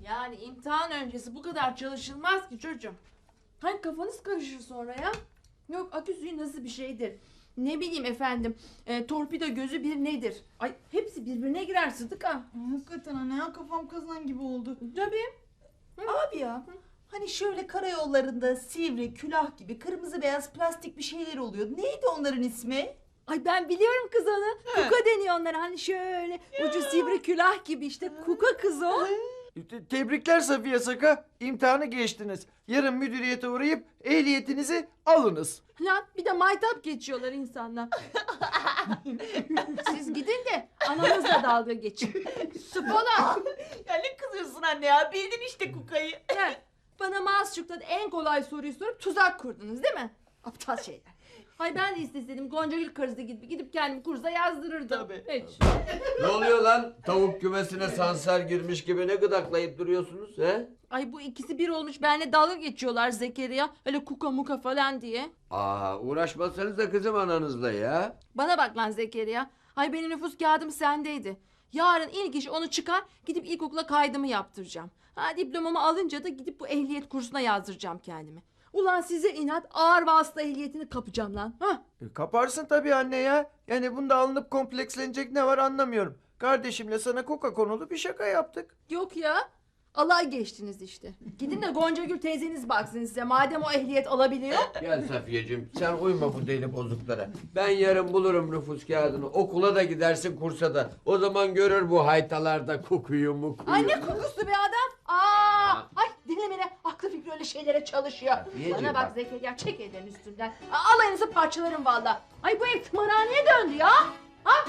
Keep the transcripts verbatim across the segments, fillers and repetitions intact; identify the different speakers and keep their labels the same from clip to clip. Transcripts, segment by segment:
Speaker 1: Yani imtihan öncesi bu kadar çalışılmaz ki çocuğum. Hani kafanız karışır sonra ya. Yok akü suyu nasıl bir şeydir? Ne bileyim efendim e, torpido gözü bir nedir? Ay hepsi birbirine girer Sıdıka.
Speaker 2: Ay, hakikaten anne ya, kafam kazan gibi oldu.
Speaker 1: Tabii.
Speaker 2: Abi ya, hani şöyle karayollarında sivri, külah gibi kırmızı beyaz plastik bir şeyler oluyor. Neydi onların ismi?
Speaker 1: Ay ben biliyorum kız onu. Kuka deniyor onlara. Hani şöyle ucu sivri külah gibi işte. Kuka kız o.
Speaker 3: Te- Tebrikler Safiye Saka. İmtihanı geçtiniz. Yarın müdüriyete uğrayıp ehliyetinizi alınız.
Speaker 1: Lan bir de maytap geçiyorlar insanlar. Siz gidin de ananızla dalga geçin. Spola.
Speaker 2: Ya ne kızıyorsun anne ya? Bildin işte Kuka'yı.
Speaker 1: Gel. Bana Maasçuk'ta en kolay soruyu sorup tuzak kurdunuz değil mi? Aptal şeyler. Hay ben de isteseydim Goncagül karısı gibi gidip kendimi kursa yazdırırdım.
Speaker 2: Tabii.
Speaker 1: Hiç.
Speaker 4: Ne oluyor lan? Tavuk kümesine sansar girmiş gibi ne gıdaklayıp duruyorsunuz he?
Speaker 1: Ay bu ikisi bir olmuş benimle dalga geçiyorlar Zekeriya. Öyle kuka muka falan diye.
Speaker 4: Aa uğraşmasanız da kızım ananızla ya.
Speaker 1: Bana bak lan Zekeriya. Hay benim nüfus kağıdım sendeydi. Yarın ilk iş onu çıkar gidip ilkokula kaydımı yaptıracağım. Ha diplomamı alınca da gidip bu ehliyet kursuna yazdıracağım kendimi. Ulan size inat ağır vasıta ehliyetini kapacağım lan. Ha?
Speaker 3: E, kaparsın tabii anne ya. Yani bunda alınıp komplekslenecek ne var anlamıyorum. Kardeşimle sana koka konulu bir şaka yaptık.
Speaker 1: Yok ya. Alay geçtiniz işte. Gidin de Goncagül teyzeniz baksın size. Madem o ehliyet alabiliyor.
Speaker 4: Gel Safiyeciğim sen uyma bu deli bozuklara. Ben yarın bulurum nüfus kağıdını. Okula da gidersin kursa da. O zaman görür bu haytalarda kokuyu mukuyu.
Speaker 1: Ay ne kokusu be adam. Aa, ay dinlemene aklı fikri öyle şeylere çalışıyor.
Speaker 4: Safiyeciğim
Speaker 1: Bana bak
Speaker 4: bak.
Speaker 1: Zekeriya çek ellerin üstünden. Aa, alayınızı parçalarım valla. Ay bu ev tımarhaneye döndü ya. Ha?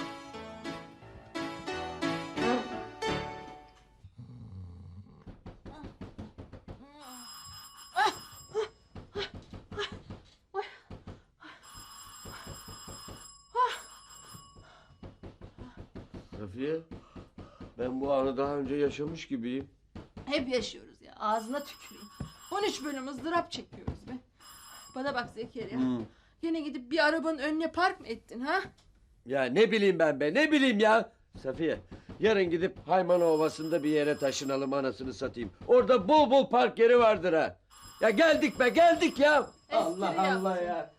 Speaker 4: Safiye ben bu anı daha önce yaşamış gibiyim.
Speaker 1: Hep yaşıyoruz ya. Ağzına tüküreyim. on üç bölüm ızdırap çekiyoruz be. Bana bak Zekeriya.
Speaker 4: Hı.
Speaker 1: Yine gidip bir arabanın önüne park mı ettin ha?
Speaker 4: Ya ne bileyim ben be ne bileyim ya. Safiye yarın gidip Haymana Ovası'nda bir yere taşınalım anasını satayım. Orada bol bol park yeri vardır ha. Ya geldik be geldik ya. Allah
Speaker 1: Espri
Speaker 4: Allah
Speaker 1: yaptın.
Speaker 4: ya.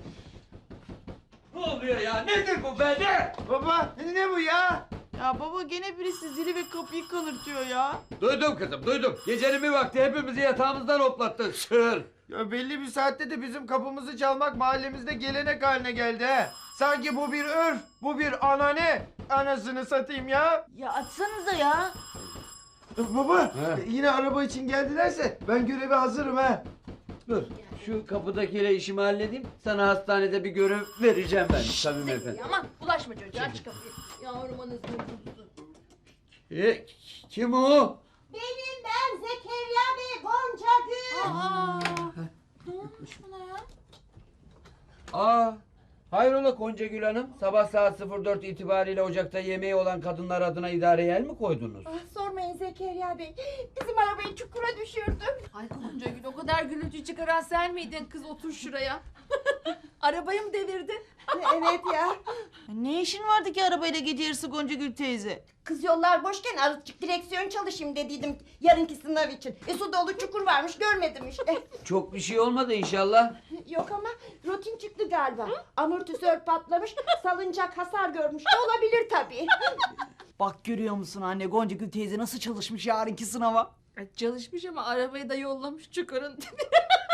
Speaker 4: Ne oluyor ya nedir bu be ne?
Speaker 3: Baba ne bu ya?
Speaker 2: Ya baba gene birisi zili ve kapıyı kanırtıyor ya.
Speaker 4: Duydum kızım duydum. Gecenin bir vakti hepimizi yatağımızdan hoplattın sığır.
Speaker 3: Ya belli bir saatte de bizim kapımızı çalmak mahallemizde gelenek haline geldi he. Sanki bu bir örf, bu bir anane. Anasını satayım ya.
Speaker 2: Ya açsanıza ya.
Speaker 3: Baba
Speaker 4: He.
Speaker 3: yine araba için geldilerse ben göreve hazırım ha.
Speaker 4: Dur şu kapıdakiyle işimi halledeyim. Sana hastanede bir görev vereceğim ben Samim Efendi.
Speaker 1: Zekeriya aman bulaşma çocuğa aç kapıyı. Yavrum anasını tutsun.
Speaker 4: E, kim o?
Speaker 5: Benim ben Zekeriya Bey Goncagül.
Speaker 1: Aa, ne olmuş buna ya?
Speaker 4: Aa, hayrola Goncagül Hanım? Sabah saat sıfır dört itibariyle ocakta yemeği olan kadınlar adına idareye el mi koydunuz?
Speaker 5: Ah, sormayın Zekeriya Bey. Bizim arabayı çukura düşürdüm.
Speaker 1: Ay Goncagül o kadar gürültü çıkaran sen miydin kız otur şuraya. Arabayı mı devirdin?
Speaker 5: Evet ya.
Speaker 2: Ne işin vardı ki arabayla gece yarısı Goncagül teyze?
Speaker 5: Kız yollar boşken azıcık direksiyon çalışayım dediydim yarınki sınav için. E su dolu çukur varmış görmedim işte.
Speaker 4: Çok bir şey olmadı inşallah.
Speaker 5: Yok ama rutin çıktı galiba. Amortisör patlamış, salıncak hasar görmüş de olabilir tabii.
Speaker 2: Bak görüyor musun anne, Goncagül teyze nasıl çalışmış yarınki sınava?
Speaker 1: Ay, çalışmış ama arabayı da yollamış çukurun dibine.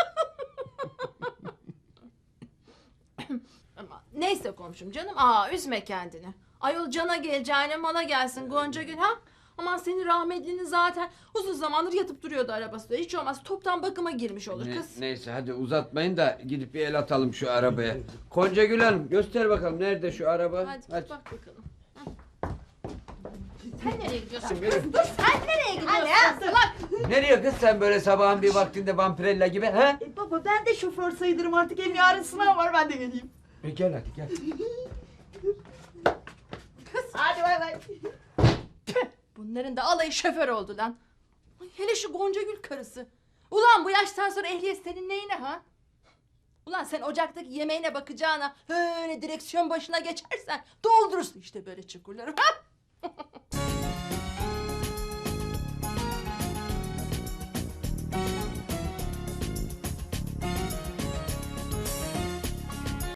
Speaker 1: Ama neyse komşum canım. Aa üzme kendini. Ayol cana geleceğine mala gelsin Goncagül ha. Aman senin rahmetlinin zaten uzun zamandır yatıp duruyordu arabası. Hiç olmaz toptan bakıma girmiş olur
Speaker 4: Ne-
Speaker 1: kız.
Speaker 4: neyse hadi uzatmayın da gidip bir el atalım şu arabaya. Goncagül Hanım göster bakalım nerede şu araba?
Speaker 1: Hadi, bak bakalım. Hı. Sen nereye gidiyorsun kız?
Speaker 4: Benim-
Speaker 1: Dur sen nereye gidiyorsun?
Speaker 5: Anne,
Speaker 1: Salak.
Speaker 4: Nereye kız sen böyle sabahın bir vaktinde vampirella gibi he?
Speaker 2: E baba ben de şoför sayılırım artık, hem yarın sınav var, ben de geleyim.
Speaker 4: E, gel hadi gel.
Speaker 5: Hadi bay bay.
Speaker 1: Bunların da alayı şoför oldu lan. Ay, hele şu Goncagül karısı. Ulan bu yaştan sonra ehliyet senin neyine ha? Ulan sen ocaktaki yemeğine bakacağına öyle direksiyon başına geçersen doldurursun işte böyle çukurları. Ha?